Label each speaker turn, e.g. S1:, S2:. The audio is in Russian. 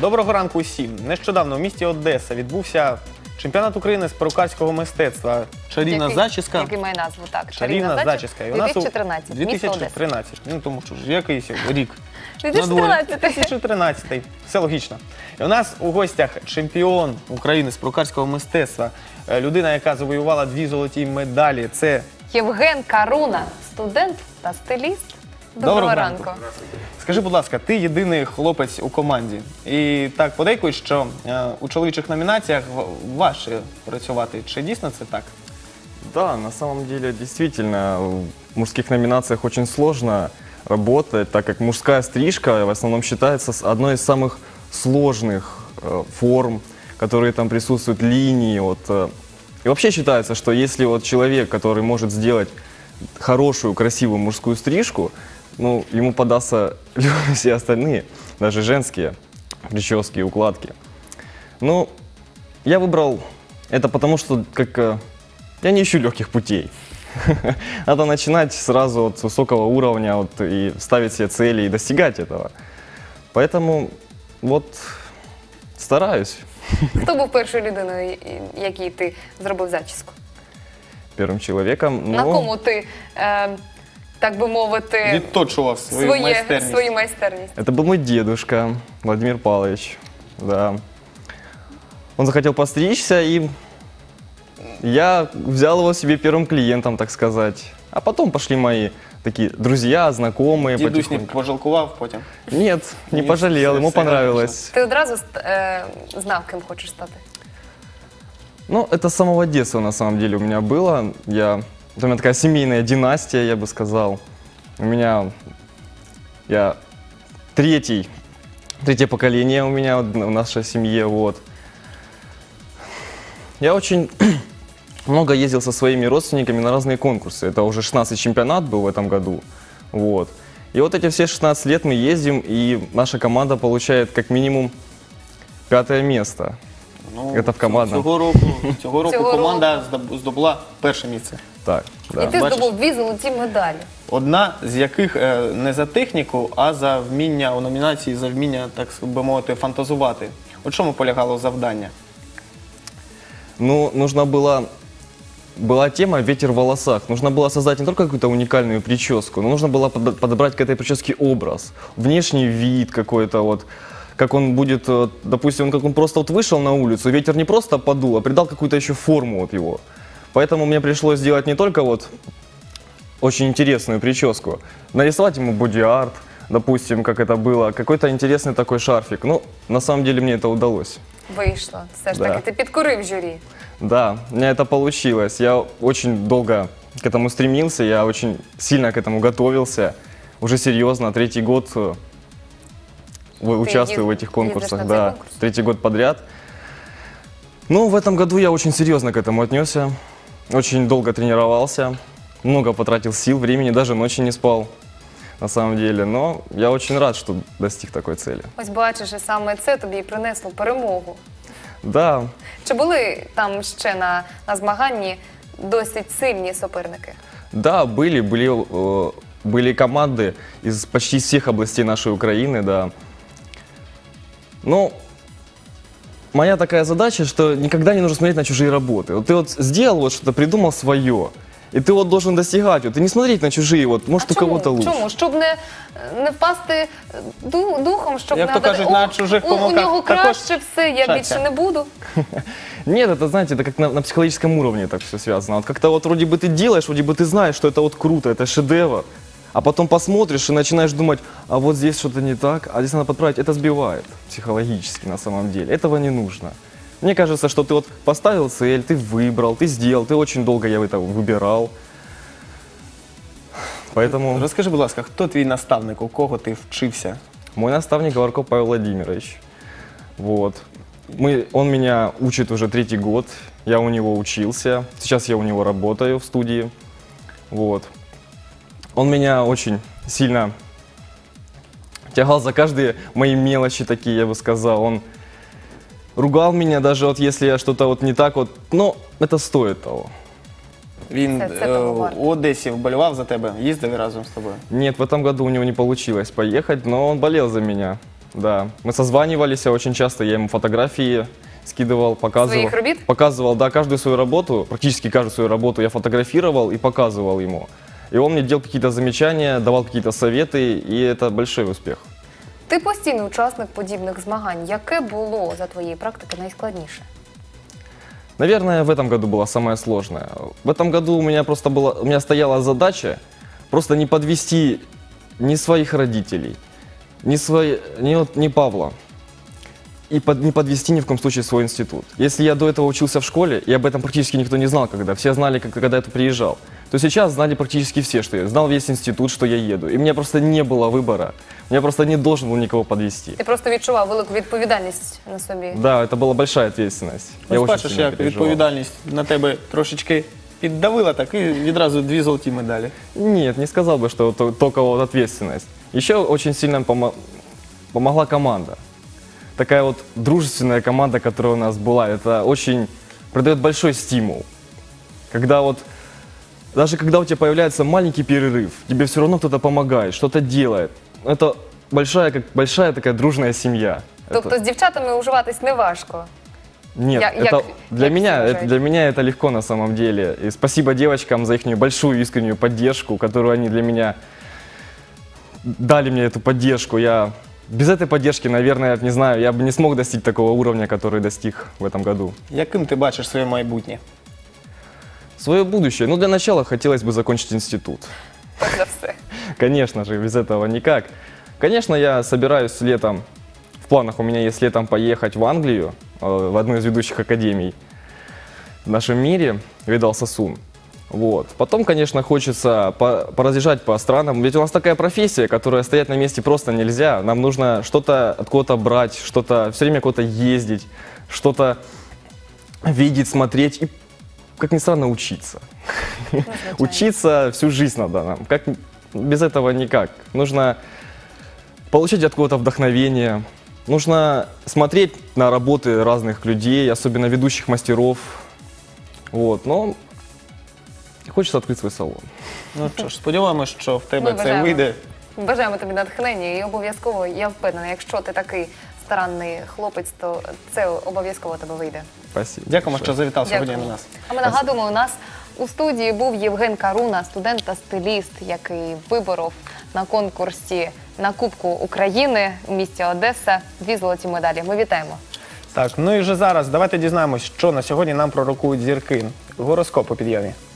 S1: Доброго ранку усім. Нещодавно в місті Одеса відбувся чемпіонат України з перукарського мистецтва. Чарівна зачіска.
S2: Який має назву, так.
S1: Чарівна зачіска.
S2: 2013.
S1: 2013. Ну, тому що ж, якийсь рік.
S2: 2013.
S1: 2013. Все логічно. І у нас у гостях чемпіон України з перукарського мистецтва. Людина, яка завоювала 2 золоті медалі. Це
S2: Євген Каруна, студент та стиліст. Доброго ранку.
S1: Скажи, будь ласка, ти єдиний хлопець у команді. І так подейкують, що у чоловічих номінаціях важче працювати. Чи дійсно це так?
S3: Да, на самом деле, действительно, в мужских номинациях очень сложно работать, так как мужская стрижка в основном считается одной из самых сложных форм, которые там присутствуют, линии. И вообще считается, что если вот человек, который может сделать хорошую, красивую мужскую стрижку, ну, ему подастся все остальные, даже женские прически и укладки. Ну, я выбрал это потому, что я не ищу легких путей. Надо начинать сразу от высокого уровня и ставить себе цели и достигать этого. Поэтому вот стараюсь.
S2: Хто був першою людиною, якій ти зробив зачіску?
S3: Первым человеком.
S2: На кому ти, так би мовити,
S1: Відточував свою майстерність.
S3: Это был мой дедушка, Владимир Павлович. Да. Он захотел постричься, и я взял его себе первым клиентом, так сказать. А потом пошли мои такие друзья, знакомые.
S1: Дідусь не пожалкував потім?
S3: Нет, не пожалел, ему понравилось.
S2: Ти одразу знав, ким хочеш стати?
S3: Ну, это с самого детства, на самом деле, у меня было. У меня такая семейная династия, я бы сказал. Я третье поколение у меня в нашей семье, вот. Я очень много ездил со своими родственниками на разные конкурсы. Это уже 16-й чемпионат был в этом году, вот. И вот эти все 16 лет мы ездим, и наша команда получает как минимум 5-е место.
S1: Ну,
S3: Это в командном.
S1: Цього року команда здобула перше місце.
S3: Так, да.
S2: І ти здобув 2 золоті медалі.
S1: Одна з яких не за техніку, а за вміння у номінації, за вміння, так би мовити, фантазувати. У чому полягало завдання?
S3: Ну, была тема «Ветер в волосах». Нужно было создать не только какую-то уникальную прическу, но нужно было подобрать к этой прическе образ, внешний вид какой-то вот. Как он будет, допустим, как он просто вышел на улицу, ветер не просто подул, а придал какую-то еще форму его. Поэтому мне пришлось сделать не только очень интересную прическу, нарисовать ему боди-арт, допустим, как это было, какой-то интересный такой шарфик. Ну, на самом деле мне это удалось.
S2: Вийшло. Все ж таки, ти підкорив журі.
S3: Да, у меня это получилось. Я очень долго к этому стремился, я очень сильно к этому готовился. Уже серьезно, 3-й год участвую в этих конкурсах, да, 3-й год подряд. Ну, в этом году я очень серьезно к этому отнесся, очень долго тренировался, много потратил сил, времени, даже ночи не спал, на самом деле. Но я очень рад, что достиг такой цели.
S2: Ось бачиш, і саме це тобі і принесло перемогу.
S3: Да.
S2: Чи були там ще на змаганні досить сильні суперники?
S3: Да, были команды из почти всех областей нашей Украины, да. Но моя такая задача, что никогда не нужно смотреть на чужие работы. Вот ты сделал что-то, придумал свое, и ты должен достигать. И не смотреть на чужие, может у кого-то лучше.
S2: Чому? Щоб не впасти духом, щоб
S1: Як
S2: не
S1: то кажуть, на чужих
S2: у
S1: помилках
S2: нього краще все, я
S1: шаться.
S2: більше не буду.
S3: Нет, это, знаете, это как на психологическом уровне так все связано. Вот как-то вроде бы ты делаешь, вроде бы ты знаешь, что это круто, это шедевр, а потом посмотришь и начинаешь думать, а вот здесь что-то не так, а здесь надо подправить. Это сбивает психологически на самом деле. Этого не нужно. Мне кажется, что ты поставил цель, ты выбрал, ты сделал, ты очень долго я это выбирал. Поэтому...
S1: Розкажи, будь ласка, хто твій наставник, у кого ти вчився?
S3: Мой наставник Говорков Павел Владимирович. Вот. Он меня учит уже 3-й год, я у него учился, сейчас я у него работаю в студии. Вот. Он меня очень сильно тягал за каждые мои мелочи такие, я бы сказал. Он ругал меня даже если я что-то не так но это стоит того.
S1: Він у Одесі вболівав за тебе, їздив разом з тобою?
S3: Нет, в этом году у него не получилось поехать, но он болел за меня. Да, мы созванивались очень часто, я ему фотографии скидывал, показывал.
S2: Своих робит?
S3: Показывал, да, каждую свою работу, практически каждую свою работу я фотографировал и показывал ему. И он мне делал какие-то замечания, давал какие-то советы, и это большой успех.
S2: Ти постійний учасник подібних змагань. Яке було за твоєї практики найскладніше?
S3: Наверное, в этом году было самое сложное. В этом году у меня стояла задача просто не подвести ни своих родителей, ни Павла, и не подвести ни в коем случае свой институт. Если я до этого учился в школе, и об этом практически никто не знал, все знали, когда я приезжал, то сейчас знали практически все, что я знал весь институт, что я еду. И у меня просто не было выбора. Я просто не должен был никого подвести.
S2: Ти просто відчував велику відповідальність на собі.
S3: Да, это была большая ответственность. Я
S1: Ось
S3: очень
S1: бачиш,
S3: сильно
S1: як
S3: переживал.
S1: відповідальність на тебе трошечки піддавила, так і відразу 2 золоті медалі.
S3: Нет, не сказал бы, что только вот ответственность. Еще очень сильно помогла команда. Такая вот дружественная команда, которая у нас была, это очень придает большой стимул. Даже когда у тебя появляется маленький перерыв, тебе все равно кто-то помогает, что-то делает. Это большая такая дружная семья.
S2: Тобто з дівчатами уживатись не важко.
S3: Нет, для меня это легко на самом деле. И спасибо девочкам за их большую искреннюю поддержку, которую они для меня дали мне эту поддержку. Без этой поддержки, наверное, не знаю, я бы не смог достичь такого уровня, который достиг в этом году.
S1: Яким ти бачиш своє майбутнє?
S3: Свое будущее. Ну, для начала хотелось бы закончить институт.
S2: Перш за все.
S3: Конечно же, без этого никак. Конечно, я собираюсь летом, в планах у меня есть летом поехать в Англию, в одну из ведущих академий в нашем мире, Видал Сасун. Вот. Потом, конечно, хочется поразъезжать по странам. Ведь у нас такая профессия, которая стоять на месте просто нельзя. Нам нужно что-то от кого-то брать, все время куда-то ездить, что-то видеть, смотреть и, как ни странно, учиться. Учиться всю жизнь надо нам. Без этого никак. Нужно получать от кого-то вдохновение. Нужно смотреть на работы разных людей, особенно ведущих мастеров. Вот. Но хочется открыть свой салон.
S1: Ну що ж, сподіваємось, що в тебе
S2: Ми
S1: це
S2: бажаємо.
S1: вийде.
S2: Бажаємо тобі натхнення і обов'язково, я впевнена, якщо ти такий старанний хлопець, то це обов'язково тебе вийде.
S3: Спасибо.
S1: Дякуємо, що
S3: большое.
S1: завітав сьогодні
S2: Дякую.
S1: на нас.
S2: А ми нагадуємо, у нас у студії був Євген Каруна, студент та стиліст, який виборов на конкурсі на Кубку України у місті Одеса 2 золоті медалі. Ми вітаємо.
S1: Так, ну і вже зараз давайте дізнаємось, що на сьогодні нам пророкують зірки. Гороскоп у під'ємі.